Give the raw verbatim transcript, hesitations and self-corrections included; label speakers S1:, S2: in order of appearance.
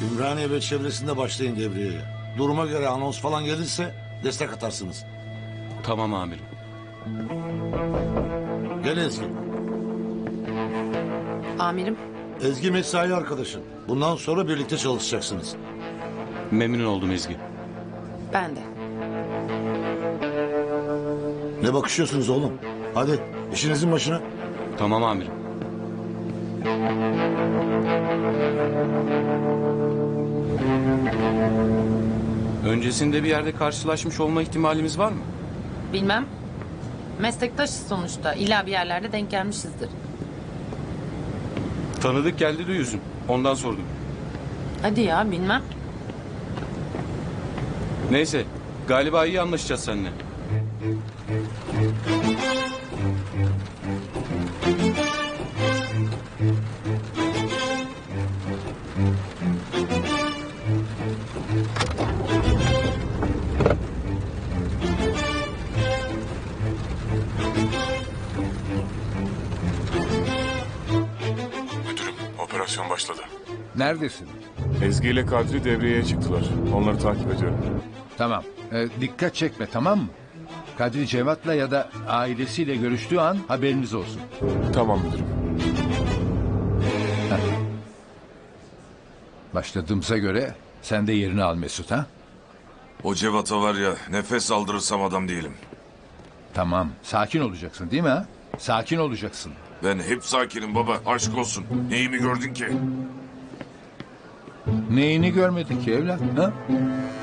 S1: Ümraniye ve çevresinde başlayın devriyeye. Duruma göre anons falan gelirse destek atarsınız.
S2: Tamam amirim.
S1: Gel Ezgi.
S3: Amirim,
S1: Ezgi mesai arkadaşın. Bundan sonra birlikte çalışacaksınız.
S2: Memnun oldum Ezgi.
S3: ben de.
S1: Ne bakışıyorsunuz oğlum? Hadi işinizin başına.
S2: Tamam amirim. Öncesinde bir yerde karşılaşmış olma ihtimalimiz var mı?
S3: Bilmem. Meslektaşız sonuçta. İlla bir yerlerde denk gelmişizdir.
S2: Tanıdık geldi de yüzüm. Ondan sordum.
S3: Hadi ya, bilmem.
S2: Neyse. Galiba iyi anlaşacağız seninle.
S4: Müdürüm, operasyon başladı.
S5: Neredesin?
S4: Ezgi ile Kadri devreye çıktılar. Onları takip ediyorum.
S5: Tamam. Ee, dikkat çekme, tamam mı? Kadri Cevat'la ya da ailesiyle görüştüğü an haberiniz olsun.
S4: Tamam müdürüm.
S5: Başladığımıza göre sen de yerini al Mesut, ha?
S6: O Cevat'a var ya, nefes aldırırsam adam değilim.
S5: Tamam. Sakin olacaksın değil mi, ha? Sakin olacaksın.
S6: Ben hep sakinim baba, aşk olsun. Neyimi gördün ki?
S5: Neyini görmedin ki evlat, ha?